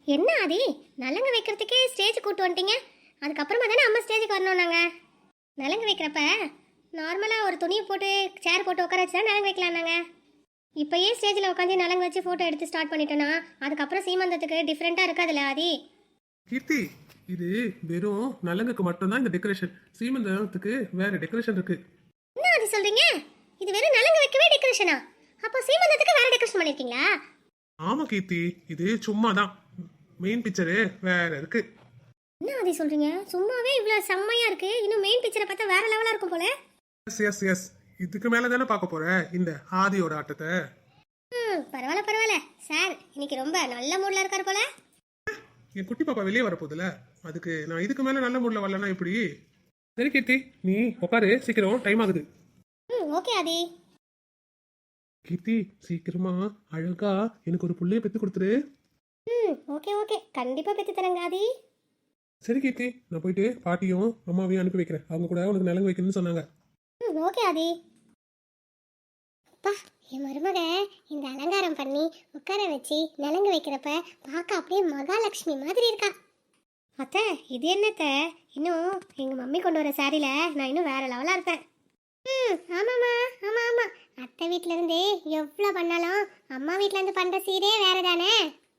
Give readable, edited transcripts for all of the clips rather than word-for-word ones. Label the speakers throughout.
Speaker 1: என்ன ஆதி, நலங்கு வைக்கிறதுக்கே ஸ்டேஜ் கூட்டு வந்துட்டீங்க. அதுக்கப்புறமா தானே அம்மா ஸ்டேஜுக்கு வரணும். நாங்கள் நலங்கு வைக்கிறப்ப நார்மலாக ஒரு துணியை போட்டு சேர் போட்டு உட்கார வச்சு தான் நலங்கு வைக்கலாம். நாங்கள் இப்போயே ஸ்டேஜில் உட்காந்து நலங்கு வச்சு ஃபோட்டோ எடுத்து ஸ்டார்ட் பண்ணிட்டோன்னா அதுக்கப்புறம் சீமந்தத்துக்கு டிஃப்ரெண்ட்டாக இருக்காதுல்ல ஆதி?
Speaker 2: கீர்த்தி, இது வெறும் நலங்குக்கு மட்டும்தான் இந்த டெக்கரேஷன். சீமந்தத்துக்கு வேற டெக்கரேஷன் இருக்கு.
Speaker 1: என்ன ஆதி சொல்றீங்க? இது வெறும் நலங்கு வைக்கவே டெக்கரேஷனா? அப்போ சீமந்தத்துக்கு வேற டெக்கரேஷன் பண்ணிருக்கீங்களா?
Speaker 2: ஆமா கீர்த்தி, இது சும்மா தான். மெயின் பிக்சரு வேற இருக்கு.
Speaker 1: என்ன ஆதி சொல்றீங்க? சும்மாவே இவ்வளவு செம்மையா இருக்கு, இன்னும் மெயின் பிக்சரை பார்த்தா வேற லெவலா இருக்கும் போல.
Speaker 2: எஸ் எஸ் எஸ், இதுக்கு மேல தானே பார்க்க போற இந்த ஆதியோட ஆட்டத்தை.
Speaker 1: பரவாயில்ல பரவாயில்ல சார், இன்னைக்கு ரொம்ப நல்ல மூட்ல இருக்காரு போல.
Speaker 2: என் குட்டி பாப்பா வெளியே வரப்போகுதுல, அதுக்கு நான் இதுக்கு மேல நல்ல மூட்ல வரலன்னா எப்படி? சரி கீர்த்தி, நீ உட்காரு, சீக்கிரம் டைம் ஆகுது.
Speaker 1: ஓகே ஆதி.
Speaker 2: கீர்த்தி, சீக்கிரமா அழகா எனக்கு ஒரு புள்ளைய பெத்து கொடுத்துரு.
Speaker 1: ஓகே ஓகே, கண்டிப்பா பெத்து தரேங்க ஆதி.
Speaker 2: சரி கீர்த்தி, நான் போயிட்டு பாட்டியும் அம்மாவையும் அனுப்பி வைக்கிறேன். அவங்க கூட உனக்கு நலங்கு வைக்கணும்னு சொன்னாங்க.
Speaker 1: ஓகே ஆதி. அப்பா, என் மருமக இந்த அலங்காரம் பண்ணி உட்கார வச்சு நலங்கு வைக்கிறப்ப பார்க்க அப்படியே மகாலட்சுமி மாதிரி இருக்கா. அத்தை, இது என்னத்த, இன்னும் எங்க மம்மி கொண்டு வர சாரியில நான் இன்னும் வேற லெவலா இருப்பேன். ஆமாம்மா, ஆமா ஆமா, அத்தை வீட்ல இருந்து எவ்வளோ பண்ணாலும் அம்மா வீட்ல இருந்து பண்ற சீரே வேற தானே.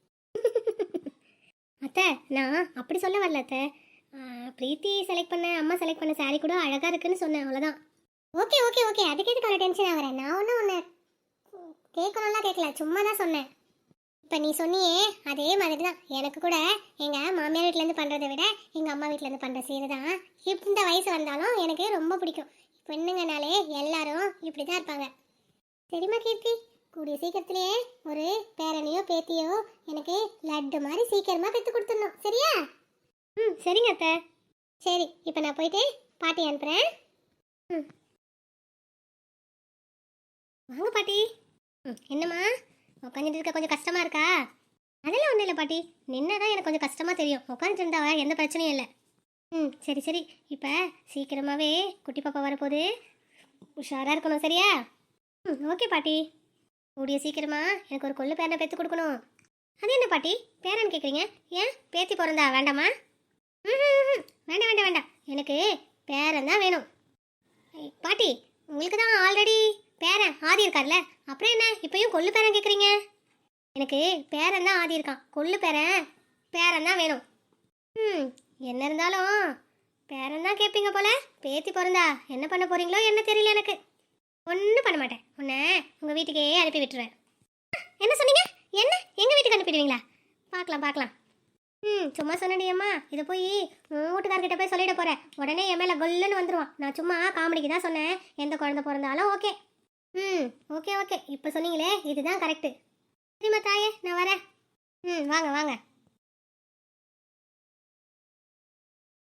Speaker 1: அத்தை, நான் அப்படி சொல்ல வரல அத்தை. பிரீத்தி செலக்ட் பண்ண, அம்மா செலக்ட் பண்ண சாரி கூட அழகா இருக்குன்னு சொன்னேன், அவ்வளோதான். ஓகே ஓகே ஓகே, அதுக்கு எதுக்கு அவ்வளோ டென்ஷன் ஆகிறேன்? நான் ஒன்று கேட்கணும்லாம் கேட்கல, சும்மா தான் சொன்னேன். இப்போ நீ சொன்னியே அதே மாதிரி தான் எனக்கு கூட எங்கள் மாமியார் வீட்டிலேருந்து பண்ணுறதை விட எங்கள் அம்மா வீட்டிலேருந்து பண்ணுற சீரை தான் இந்த வயசு வந்தாலும் எனக்கு ரொம்ப பிடிக்கும். பெண்ணுங்கனாலே எல்லாரும் இப்படி தான் இருப்பாங்க. சரிம்மா கீர்த்தி, கூடிய சீக்கிரத்திலேயே ஒரு பேரனையோ பேத்தியோ எனக்கு லட்டு மாதிரி சீக்கிரமாக பெற்று கொடுத்துடணும், சரியா? சரிங்க அத்தை. சரி, இப்போ நான் போயிட்டு பாட்டி அனுப்புகிறேன். வாங்க பாட்டி. என்னம்மா உட்காந்துட்டு இருக்க, கொஞ்சம் கஷ்டமா இருக்கா? அதெல்லாம் ஒன்றும் இல்லை பாட்டி, நின்னதான் எனக்கு கொஞ்சம் கஷ்டமா தெரியும். உட்காந்துட்டு இருந்தா எந்த பிரச்சனையும் இல்லை. சரி சரி, இப்போ சீக்கிரமாகவே குட்டி பாப்பா வரப்போகுது, உஷாராக இருக்கணும், சரியா? ஓகே பாட்டி. கூடிய சீக்கிரமா எனக்கு ஒரு கொள்ளு பேரனை பெற்று கொடுக்கணும். அது என்ன பாட்டி பேரன் கேட்குறீங்க? ஏன் பேத்தி பிறந்தா வேண்டாமா? வேண்டாம் வேண்டாம் வேண்டாம், எனக்கு பேரன் தான் வேணும். பாட்டி, உங்களுக்கு தான் ஆல்ரெடி பேரன் ஆதி இருக்கார்ல, அப்புறம் என்ன இப்பயும் கொள்ளு பேரன் கேட்குறீங்க? எனக்கு பேரன் தான் ஆதி இருக்கான், கொள்ளு பேரன் தான் வேணும். என்ன இருந்தாலும் பேரன் தான் கேட்பீங்க போல. பேத்தி பிறந்தா என்ன பண்ண போறீங்களோ என்ன தெரியல எனக்கு. ஒன்றும் பண்ண மாட்டேன், உன்னை உங்கள் வீட்டுக்கே அனுப்பி விட்டுருவேன். என்ன சொன்னீங்க? என்ன எங்கள் வீட்டுக்கு அனுப்பிடுவீங்களா? பார்க்கலாம் பார்க்கலாம். சும்மா சொன்னடியம்மா, இதை போய் வீட்டுக்காரர்கிட்ட போய் சொல்லிட போகிறேன். உடனே என் மேலே கொல்லுன்னு வந்துடுவான். நான் சும்மா காமெடிக்கு தான் சொன்னேன், எந்த குழந்தை பிறந்தாலும் ஓகே. ஓகே ஓகே, இப்போ சொன்னீங்களே இதுதான் கரெக்டு. சரிம்மா தாயே, நான் வரேன். வாங்க வாங்க.